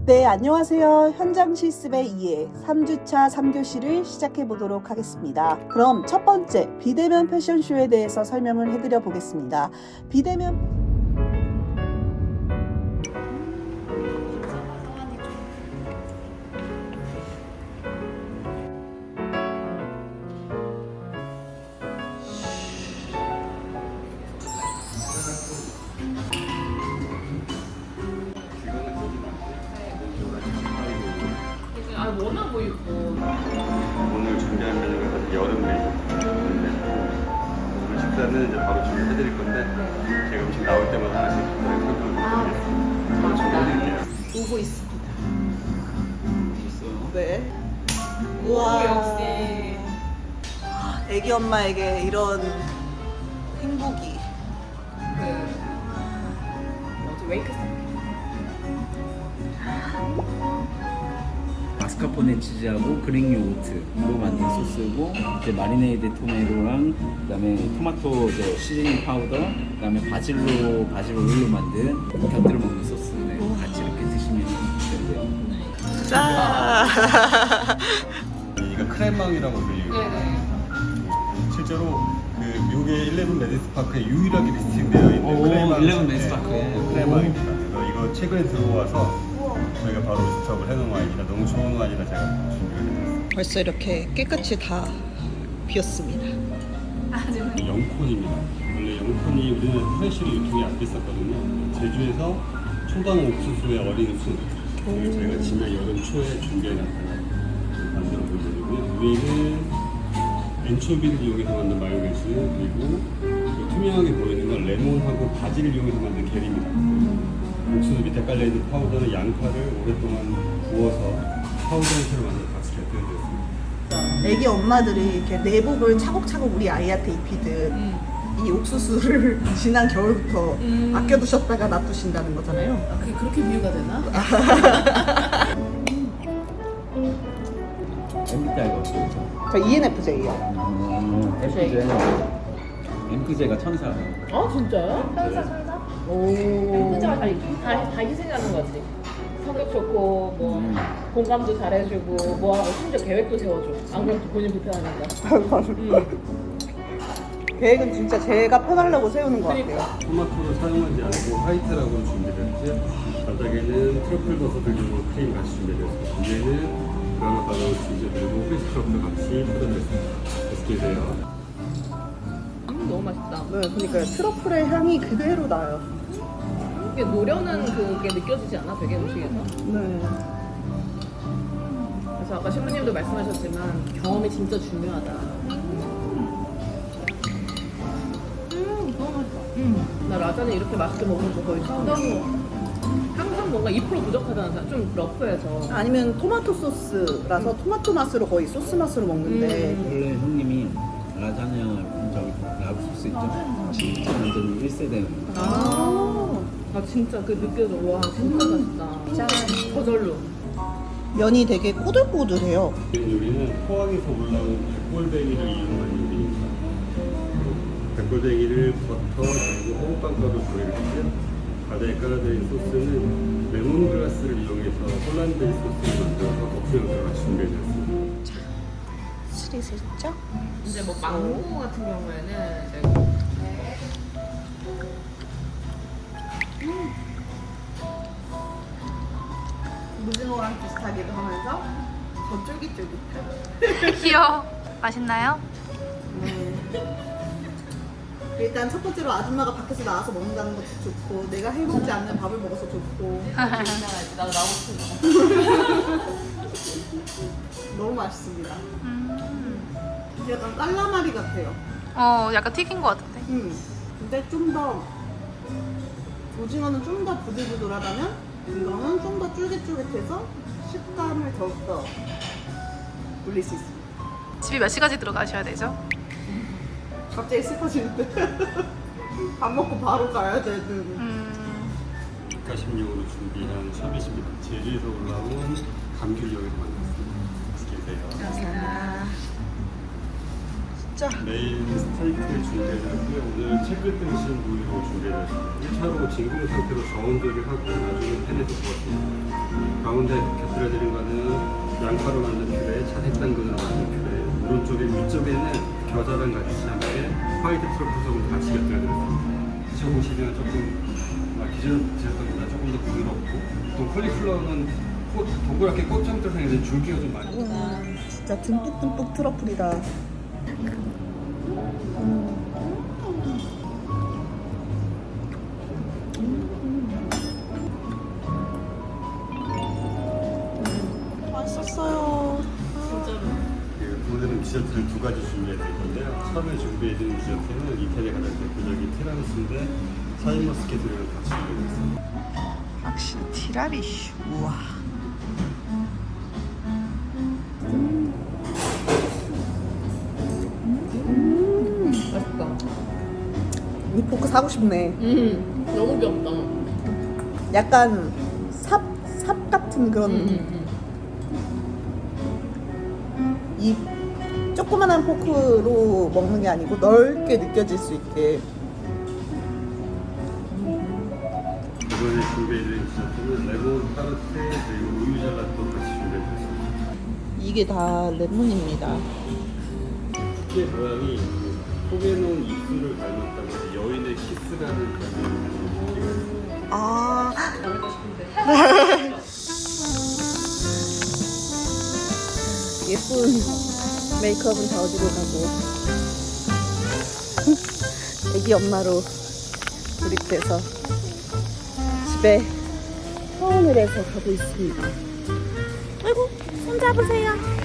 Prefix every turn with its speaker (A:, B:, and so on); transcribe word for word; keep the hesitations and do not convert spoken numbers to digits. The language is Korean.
A: 네, 안녕하세요. 현장 실습의 이해 삼 주차 삼 교시를 시작해 보도록 하겠습니다. 그럼 첫 번째 비대면 패션쇼에 대해서 설명을 해드려 보겠습니다. 비대면
B: 아, 워낙 뭐 입고.
C: 오늘 준비한 메뉴가 사실 여름 메뉴인데 오늘 식사는 이제 바로 준비해드릴 건데 제가 음식 나올 때마다 하나씩 설명을 드리겠습니다. 바로 준비해드릴게요.
A: 오고 있습니다.
C: 있어요?
A: 네.
B: 오,
A: 우와.
B: 역시.
A: 애기 엄마에게 이런 행복이.
B: 그, 뭐지, 웨이크 스타.
D: 마스카포네 치즈하고 그릭 요거트로 만든 소스고 이제 마리네이드 토마토랑 그다음에 토마토 저 시즈닝 파우더 그다음에 바질로 바질 오일로 만든 곁들여 먹는 소스 네, 같이 이렇게 드시면 되는데요.
A: 짠!
C: 이거 크레망이라고 불리고
B: 네네.
C: 실제로 그 미국의 일레븐 메디스 파크에 유일하게 리스팅되어 있는
D: 오,
C: 크레망
D: 일레븐 메디스 파크에.
C: 크레망입니다. 그래서 이거 최근에 들어와서 저희가 바로 스톱을 해놓은 와인이라 너무 좋은 와인이라 제가 준비를 해드렸습니다.
A: 벌써 이렇게 깨끗이 다 비었습니다.
C: 영콘입니다. 원래 영콘이 우리는 프레쉬로 유통이 안 됐었거든요. 제주에서 초당 옥수수의 어린 술 그리고 저희가 지난 여름 초에 준비해놨다가 만들어 본 메뉴고요. 위에는 엔초비를 이용해서 만든 마요네즈 그리고 그 투명하게 보이는 건 레몬하고 바질을 이용해서 만든 게리입니다. 옥수수 밑에 깔려있는 파우더는 양파를 오랫동안 구워서 파우더 형태로 만든 같이 곁들여드렸습니다.
A: 애기 엄마들이 이렇게 내복을 차곡차곡 우리 아이한테 입히듯
B: 음.
A: 이 옥수수를 지난 겨울부터
B: 음.
A: 아껴두셨다가 놔두신다는 거잖아요.
B: 아, 그게 그렇게 비유가 되나?
D: 엠비티아이가 어떻죠?
A: 저 이엔에프제이요.
D: 음, 엠피제 엠피제가 천사.
B: 아, 진짜요? 천사, 천사?
A: 오.
B: 혼자 다, 다, 다 희생하는 거지. 성격 좋고, 뭐,
D: 음.
B: 공감도 잘해주고, 뭐하고, 심지어 계획도 세워줘. 안 그러면 또 본인 불편하니까. 음.
A: 계획은 진짜 제가 편하려고 세우는 것 같아요.
B: 그러니까.
C: 토마토를 사용하지 않고 화이트라고 준비를 했고요. 바닥에는 트러플 버섯을 이용한 크림 같이 준비되었습니다. 위에는 그라나 바나나 치즈 그리고 프레시 트러플 같이 뿌려드렸습니다. 맛있게 드세요.
B: 음, 너무 맛있다.
A: 네, 그러니까 트러플의 향이 그대로 나요.
B: 이게 노려는 그게 느껴지지 않아? 되게 음식에서?
A: 네.
B: 그래서 아까 신부님도 말씀하셨지만 경험이 진짜 중요하다. 음, 너무 맛있어. 음. 나 라자냐 이렇게 맛있게 먹는 거 거의 처음이야. 너무. 항상 뭔가 이 퍼센트 부족하다는 사람, 좀 러프해서.
A: 아니면 토마토 소스라서 토마토 맛으로 거의 소스 맛으로 먹는데
B: 음.
D: 원래 형님이 라자냐 저기 라브 소스 있죠? 진짜 완전 일 세대.
B: 아, 아 진짜 그 느껴져. 와, 진짜 맛있다. 짠. 저절로.
A: 면이 되게 꼬들꼬들해요.
C: 이 요리는 포항에서 올라온 백골뱅이를 이용한 요리입니다. 백골뱅이를 버터 그리고 호빵가루 조리를 했고요. 바다에 깔아져 있는 소스는 레몬그라스를 이용해서 홀란드 베이스 소스를 만들어서 덕수형태로 같이 준비해드렸습니다.
A: 스리슬쩍?
B: 이제 뭐 망고 같은 경우에는 이제
A: 무징어랑 비슷하기도 하면서 더 쫄깃쫄깃해.
E: 귀여워. 맛있나요?
A: 일단 첫 번째로 아줌마가 밖에서 나와서 먹는다는 것도 좋고 내가 해먹지 않는 밥을 먹어서 좋고
B: 나가야지. 나도 나오고 싶어.
A: 너무 맛있습니다.
E: 음.
A: 약간 깔라마리 같아요.
E: 어, 약간 튀긴 것 같은데.
A: 음. 근데 좀 더 오징어는 좀 더 부들부들하다면 이거는 좀 더 쫄깃쫄깃해서 식감을 더욱더 올릴 수 있습니다.
E: 집이 몇 시까지 들어가셔야 되죠?
A: 갑자기 슬퍼지는데 밥 먹고 바로 가야 되는.
E: 음.
C: 가심용으로 준비한 샤벳입니다. 제주에서 올라온 감귤용에서 만들었습니다. 맛있게 드세요.
A: 감사합니다. 진짜.
C: 메인 스테이크 준비해드렸고요. 오늘 채끝 등심 부위로 준비해드렸습니다. 일 차로 진공 상태로 저온 조리하고 나중에 팬에서 구웠습니다. 가운데 곁들여드린 거는 양파로 만든 퓨레, 자색 당근으로 만든 퓨레, 오른쪽에 위쪽에는 겨자랑 같이 함께 화이트 트러플 소금 같이 곁들여드렸습니다. 드셔보시면 조금 아, 기존 드셨던 것보다 조금 더 부드럽고 또 콜리플라워는 꽃, 동그랗게 꽃처럼 생긴 줄기가 좀 많이
A: 와, 진짜 듬뿍듬뿍 트러플이다. 맛있었어요.
B: 진짜로.
C: 그 오늘은 디저트를 두 가지 준비해 드릴 건데요. 처음에 준비해 드린 디저트는 이태리 가장 대표적인 티라미수인데 샤인머스켓을 같이 준비해 드렸습니다.
A: 확실히 티라미슈. 우와.
B: 맛있다.
A: 이 포크 사고 싶네.
B: 음, 너무 귀엽다.
A: 약간 삽, 삽 같은 그런
B: 음, 음,
A: 이 조그만한 포크로 먹는 게 아니고 넓게 느껴질 수 있게.
C: 이번에 준비해 드린 디저트는 레몬 타르트 그리고 우유 젤라또 같이 준비해 드렸습니다.
A: 이게 다 레몬입니다.
C: 이게 모양이 그 포개놓은 입술을 닮았다고 해서 여인의 키스라는 별명을 가지고 있어요.
A: 아,
B: 않을까 싶은데.
A: 예쁜 메이크업은 다 어디로 가고 애기 엄마로 돌입돼서 집에 서운을 해서 가고 있습니다. 아이고, 손 잡으세요.